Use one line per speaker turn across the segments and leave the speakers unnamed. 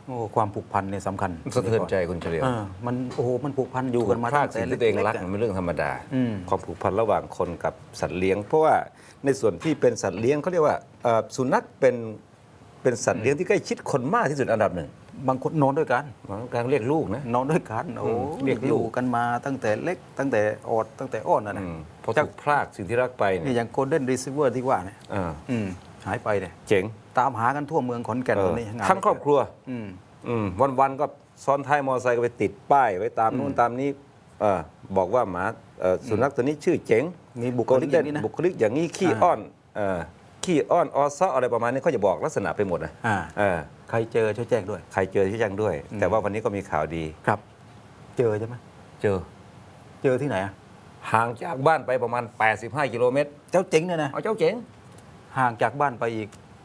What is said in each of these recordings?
โอ้ความผูกพันเนี่ยสำคัญ
สะเทือนใจคุณเฉลียว
มันโอ้โหมันผูกพันอยู่กันมา
พลา
ตั้
ด
งแต่
สิ่ง
เล็
ที่ตัวเองรัก
ๆ
มันเป็นเรื่องธรรมดา
ความ
ผูกพันระหว่างคนกับสัตว์เลี้ยง เพราะว่าในส่วนที่เป็นสัตว์เลี้ยงเขาเรียกว่าสุนัขเป็นสัตว์เลี้ยงที่ใกล้ชิดคนมากที่สุดอันดับหนึ่ง
บางคนนอนด้วยกัน
การเรียกลูกนะ
นอนด้วยกันโอ้
เรียกลูก
อยู่กันมาตั้งแต่เล็กตั้งแต่อดตั้งแต่อ้อนนะ
พอถูกพลากสิ่งที่รักไป
นี่
เนี่ย
อย่างโกลเด้นรีซิเวอร์ที่ว่าเนี่ยหายไปเนี่ย
เจ๋ง
ตามหากันทั่วเมืองขอนแก่นตอนนี้งาน
ทั้งครอบครัว วันๆก็ซ้อนท้ายมอเตอร์ไซค์ก็ไปติดป้ายไว้ตามนู่นตามนี้บอกว่าหมาสุนัขตัวนี้ชื่อเจ๋ง
มีบุคลิกอย่างนี้นะ
บุคลิกอย่างนี้ขี้อ้อนออซ้ออะไรประมาณนี้เขาจะบอกลักษณะไปหมดนะ
ใครเจอช่วยแจ้งด้วย
ใครเจอที่แจ้งด้วย แต่ว่าวันนี้ก็มีข่าวดี
ครับ เจอใช่ไหม
เจอ
เจอที่ไหนอะ
ห่างจากบ้านไปประมาณ 85 กิโลเมตร
เจ้าเจ๋งเนี่ยนะ
เอาเจ้าเจ๋ง
ห่างจากบ้านไปอีก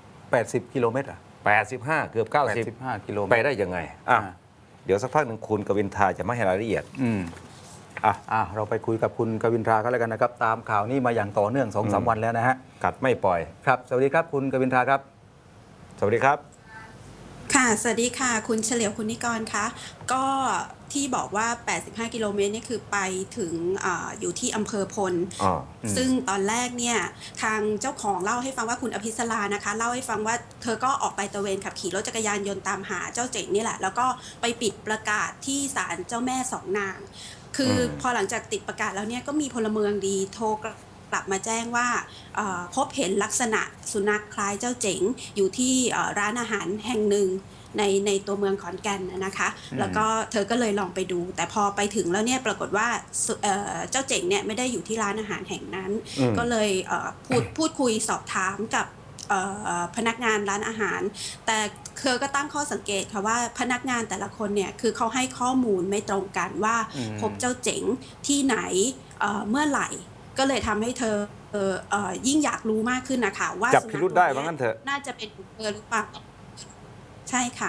80 กิโลเมตรอ่ะ
85 เกือบ
85 กิโลเม
90 ไป
ตร
ได้ยังไงเดี๋ยวสักพักหนึ่งคุณกวินทาจะมาให้รายละเอียด
เราไปคุยกับคุณกวินทราก็แล้วกันนะครับ ตามข่าวนี้มาอย่างต่อเนื่อง 2-3 วันแล้วนะฮะ
กัดไม่ปล่อย
ครับ สวัสดีครับคุณกวินทราครับ
สวัสดีครับ
ค่ะสวัสดีค่ะคุณเฉลียวคุณนิกรคะก็ที่บอกว่า 85 กิโลเมตรนี่คือไปถึงอยู่ที่อำเภอพล ซึ่งตอนแรกเนี่ยทางเจ้าของเล่าให้ฟังว่าคุณอภิสรานะคะเล่าให้ฟังว่าเธอก็ออกไปตระเวนขับขี่รถจักรยานยนต์ตามหาเจ้าเจ๋งนี่แหละแล้วก็ไปปิดประกาศที่ศาลเจ้าแม่สองนางคือพอหลังจากติดประกาศแล้วเนี่ยก็มีพลเมืองดีโทรกลับมาแจ้งว่าพบเห็นลักษณะสุนัขคล้ายเจ้าเจ๋งอยู่ที่ร้านอาหารแห่งหนึ่งในตัวเมืองขอนแก่นนะคะแล้วก็เธอก็เลยลองไปดูแต่พอไปถึงแล้วเนี่ยปรากฏว่าเจ้าเจ๋งเนี่ยไม่ได้อยู่ที่ร้านอาหารแห่งนั้นก็เลยพูดคุยสอบถามกับพนักงานร้านอาหารแต่เธอก็ตั้งข้อสังเกตค่ะว่าพนักงานแต่ละคนเนี่ยคือเขาให้ข้อมูลไม่ตรงกันว่าพบเจ้าเจ๋งที่ไหนเมื่อไหร่ก็เลยทำให้เธอยิ่งอยากรู้มากขึ้นนะคะว่า
จับพิรุธได้ว่างั้นเถอะ
น่าจะเป็นเธอหรือเปล่าใช่ค่ะ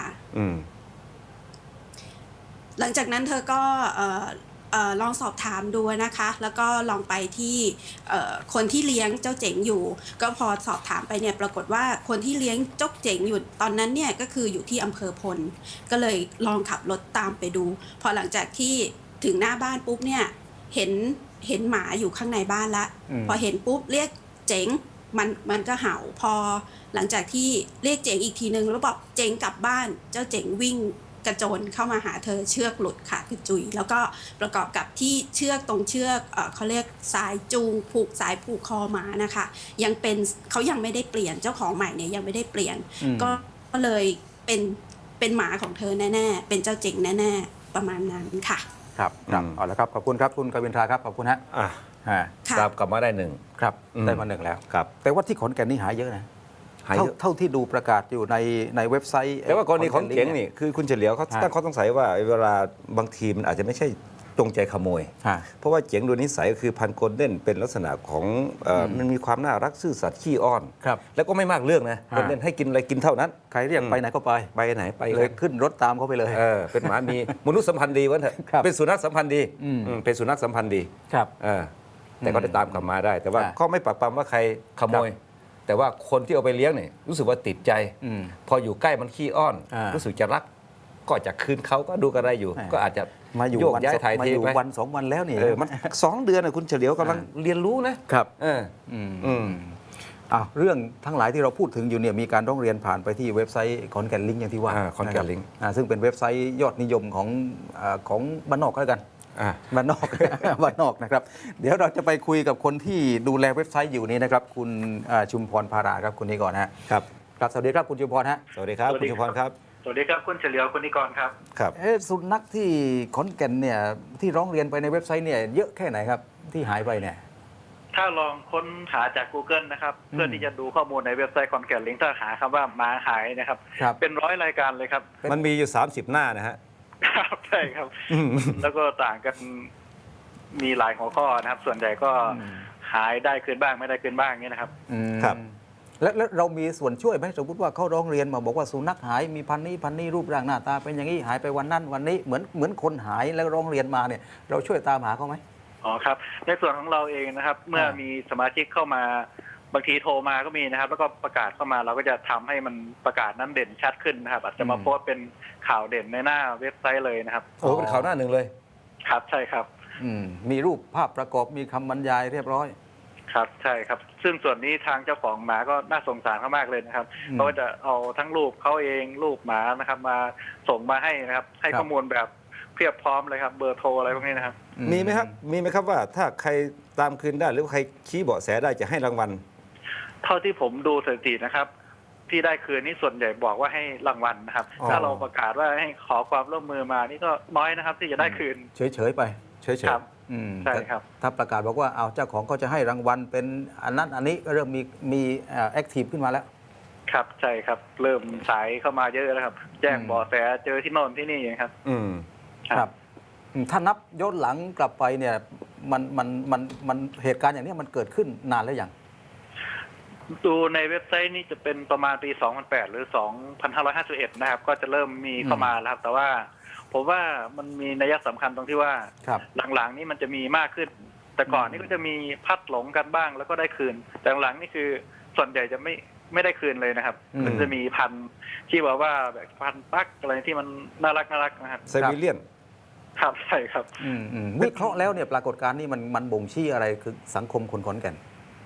หลังจากนั้นเธอก็ลองสอบถามดูนะคะแล้วก็ลองไปที่คนที่เลี้ยงเจ้าเจ๋งอยู่ก็พอสอบถามไปเนี่ยปรากฏว่าคนที่เลี้ยงเจ้าเจ๋งอยู่ตอนนั้นเนี่ยก็คืออยู่ที่อำเภอพลก็เลยลองขับรถตามไปดูพอหลังจากที่ถึงหน้าบ้านปุ๊บเนี่ยเห็นหมาอยู่ข้างในบ้านละพอเห็นปุ๊บเรียกเจ๋งมันก็เห่าพอหลังจากที่เรียกเจ๋งอีกทีนึงแล้วบอกเจ๋งกลับบ้านเจ้าเจ๋งวิ่งกระโจนเข้ามาหาเธอเชือกหลุดขาดกระจุยแล้วก็ประกอบกับที่เชือกตรงเชือกเขาเรียกสายจูงผูกสายผูกคอหมานะคะยังเป็นเขายังไม่ได้เปลี่ยนเจ้าของใหม่เนี่ยยังไม่ได้เปลี่ยนก็เลยเป็นหมาของเธอแน่ๆเป็นเจ้าเจ๋งแน่ๆประมาณนั้นค่ะ
ครับเอาละครับขอบคุณครับคุณกวินทราครับขอบคุณฮะ
ตามกลับมาได้หนึ่ง
ครับได้มาหนึ่งแล้ว
ครับ
แต่ว่าที่ขอนแก่นนี่หายเยอะนะเท่าที่ดูประกาศอยู่ในเว็บไซต์
แต่ว่ากรณีของเจ๋งนี่คือคุณเฉลียวเขาตั้งข้อสงสัยว่าเวลาบางทีมันอาจจะไม่ใช่จงใจขโมยเพราะว่าเจ๋งโดยนิสัยก็คือพันธุ์โกลเด้นเป็นลักษณะของมันมีความน่ารักซื่อสัตย์ขี้อ้อนแล้วก็ไม่มากเรื่องนะโกลเด้นให้กินอะไรกินเท่านั้น
ใครเรียกไปไหนก็ไป
ไหนไป
เลยขึ้นรถตามเขาไปเลย
เป็นหมามีมนุษยสัมพันธ์ดีวะเถอะเป็นสุนัขสัมพันธ์ดีเป็นสุนัขสัมพันธ์ดีแต่ก็ได้ตามกลับมาได้แต่ว่าก็ไม่ปักปำว่าใครขโมยแต่ว่าคนที่เอาไปเลี้ยงเนี่ยรู้สึกว่าติดใจพออยู่ใกล้มันขี้อ้อนรู้สึกจะรักก็จะคืนเขาก็ดูกันได้อยู่ก็อาจจะ
มาอยู่
โยกย้ายถ่ายเทไป
วัน2 วันแล้วนี่
มัน2 เดือนนะคุณเฉลียวกำลังเรียนรู้นะครับ
เรื่องทั้งหลายที่เราพูดถึงอยู่เนี่ยมีการร้องเรียนผ่านไปที่เว็บไซต์ขอนแก่นลิงก์อย่างที่ว่า
ขอนแก่นลิงก์
ซึ่งเป็นเว็บไซต์ยอดนิยมของบ้านนอกก็แล้วกันบ้านนอก บ้านนอกนะครับเดี๋ยวเราจะไปคุยกับคนที่ดูแลเว็บไซต์อยู่นี้นะครับคุณชุมพรภาราครับคุณนิกร
ครับ
ครับสวัสดีครับคุณชุมพรฮะ
สวัสดีครับคุณชุมพรครับ
สวัสดีครับคุณเฉลียวคุณนิกรครับ
ครับ
สุนัขที่ขอนแก่นเนี่ยที่ร้องเรียนไปในเว็บไซต์เนี่ยเยอะแค่ไหนครับที่หายไปเนี่ย
ถ้าลองค้นหาจาก Google นะครับเพื่อที่จะดูข้อมูลในเว็บไซต์คอนแก่นลิงก์ถ้าหาคำว่าหมาหายนะครับเป็น100 รายการเลยครับ
มันมีอยู่30 หน้านะฮะ
ครับใช่ครับแล้วก็ต่างกันมีหลายหัวข้อนะครับส่วนใหญ่ก็หายได้คืนบ้างไม่ได้คืนบ้างนี่นะครับ
ครับแล้วเรามีส่วนช่วยไหมสมมติว่าเขาร้องเรียนมาบอกว่าสุนัขหายมีพันนี้รูปร่างหน้าตาเป็นอย่างนี้หายไปวันนั้นวันนี้เหมือนคนหายแล้วร้องเรียนมาเนี่ยเราช่วยตามหาเขาไหม
อ๋อครับในส่วนของเราเองนะครับเมื่อมีสมาชิกเข้ามาบางทีโทรมาก็มีนะครับ แล้วก็ประกาศเข้ามาเราก็จะทำให้มันประกาศนั้นเด่นชัดขึ้นนะครับ อาจจะมาโพสต์เป็นข่าวเด่นในหน้าเว็บไซต์เลยนะครับ
โอ้เป็นข่าวหน้าหนึ่งเลย
ครับใช่ครับ
มีรูปภาพประกอบมีคำบรรยายเรียบร้อย
ครับใช่ครับ ซึ่งส่วนนี้ทางเจ้าของหมาก็น่าสงสารเขามากเลยนะครับเพราะว่าจะเอาทั้งรูปเขาเองรูปหมานะครับ มาส่งมาให้นะครับ ให้ข้อมูลแบบเพียบพร้อมเลยครับ เบอร์โทรอะไรพวกนี้นะครับ
มีไหมครับว่าถ้าใครตามคืนได้หรือว่าใครชี้เบาะแสได้จะให้รางวัล
เท่าที่ผมดูสถิตินะครับ ที่ได้คืนนี่ส่วนใหญ่บอกว่าให้รางวัลนะครับ
อ๋อ
ถ้าเราประกาศว่าให้ขอความร่วมมือมานี่ก็น้อยนะครับ ที่จะได้คืน
เฉยๆไปเฉย
ครับ
ๆ
ใช่ครับ
ถ้าประกาศบอกว่าเอาเจ้าของก็จะให้รางวัลเป็นอันนั้นอันนี้ก็เริ่มมีแอคทีฟขึ้นมาแล้ว
ครับใช่ครับ เริ่มสายเข้ามาเยอะแล้วครับ แจ้งเบาะแสเจอที่โน่นที่นี่ครับ
ครับถ้านับย้อนหลังกลับไปเนี่ยมันเหตุการณ์อย่างนี้มันเกิดขึ้นนานแล้วอย่าง
ดูในเว็บไซต์นี่จะเป็นประมาณปี 2008 หรือ 2551 นะครับ ก็จะเริ่มมีเข้ามาแล้วครับ แต่ว่าผมว่ามันมีนัยสำคัญตรงที่ว่า
ครับ
หลังๆนี่มันจะมีมากขึ้น แต่ก่อนนี่ก็จะมีพัดหลงกันบ้างแล้วก็ได้คืน แต่หลังๆนี่คือส่วนใหญ่จะไม่ได้คืนเลยนะครับ มันจะมีพันธุ์ที่บอกว่าแบบพันธุ์ปักอะไรที่มันน่ารักนะครับ
ไซบีเรียน
ครับใช่ครับ
วิเคราะห์แล้วเนี่ยปรากฏการณ์นี้มันบ่งชี้อะไรคือสังคมคนขอนแก่น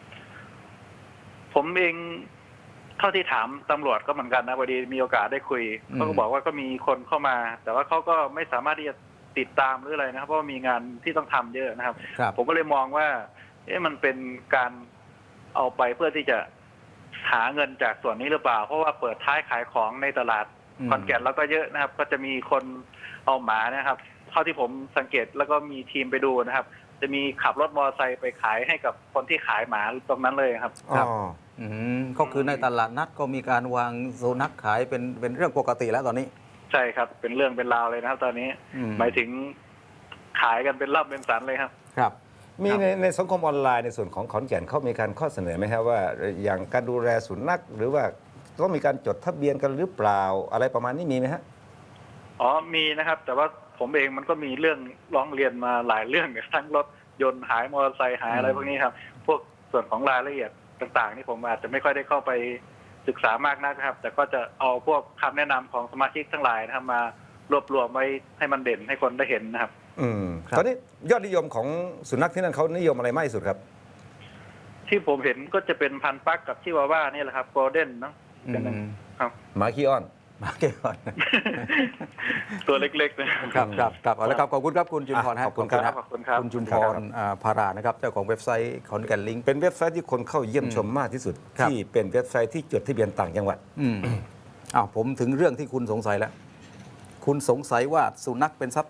ผมเองเท่าที่ถามตำรวจก็เหมือนกันนะพอดีมีโอกาสได้คุยเขาก็บอกว่าก็มีคนเข้ามา แต่ว่าเขาก็ไม่สามารถที่จะติดตามหรืออะไรนะครับ เพราะว่ามีงานที่ต้องทำเยอะนะครับ
ครับ
ผมก็เลยมองว่ามันเป็นการเอาไปเพื่อที่จะหาเงินจากส่วนนี้หรือเปล่า เพราะว่าเปิดท้ายขายของในตลาดขอนแก่นแล้วก็เยอะนะครับ ก็จะมีคนเอาหมานะครับเท่าที่ผมสังเกตแล้วก็มีทีมไปดูนะครับ จะมีขับรถมอเตอร์ไซค์ไปขายให้กับคนที่ขายหมาตรงนั้นเลยครับ
ครับ ก็คือในตลาดนัดก็มีการวางโซนักขายเป็นเรื่องปกติแล้วตอนนี้
ใช่ครับ เป็นเรื่องเป็นราวเลยนะครับ ตอนนี้หมายถึงขายกันเป็นรับเป็นสันเลยครับ
ครับ
มีในสังคมออนไลน์ในส่วนของขอนแก่นเขามีการข้อเสนอไหมครับว่าอย่างการดูแลสุนัขหรือว่าต้องมีการจดทะเบียนกันหรือเปล่าอะไรประมาณนี้มีไหมฮะ
อ๋อมีนะครับ แต่ว่าผมเองมันก็มีเรื่องร้องเรียนมาหลายเรื่องทั้งรถยนต์หายมอเตอร์ไซค์หายอะไรพวกนี้ครับ พวกส่วนของรายละเอียดต่างๆนี่ผมอาจจะไม่ค่อยได้เข้าไปศึกษามากนักนะครับ แต่ก็จะเอาพวกคำแนะนำของสมาชิกทั้งหลายนะครับมารวบรวมไว้ให้มันเด่นให้คนได้เห็นนะครับ
ครับ
ตอนนี้ยอดนิยมของสุนัขที่นั่นเขานิยมอะไรมากที่สุดครับ
ที่ผมเห็นก็จะเป็นพันธุ์ปักกับชิวาว่านี่แหละครับโกลเด้นเนาะเป็นครับ
หมาขี้อ้อน
มาเก็บก่อน
ตัวเล็กๆนะครับ
ครับเอาละครับขอบคุณครับคุณจุมพรฮะ
ขอบคุณครับ
ขอบคุณครับ
คุณจุมพรพารานะครับเจ้าของเว็บไซต์ขอนแก่นลิงก์
เป็นเว็บไซต์ที่คนเข้าเยี่ยมชมมากที่สุด
ครับ
ที่เป็นเว็บไซต์ที่จดทะเบียนต่างจังหวัด
ผมถึงเรื่องที่คุณสงสัยแล้ว คุณสงสัยว่าสุนัขเป็นทรัพย์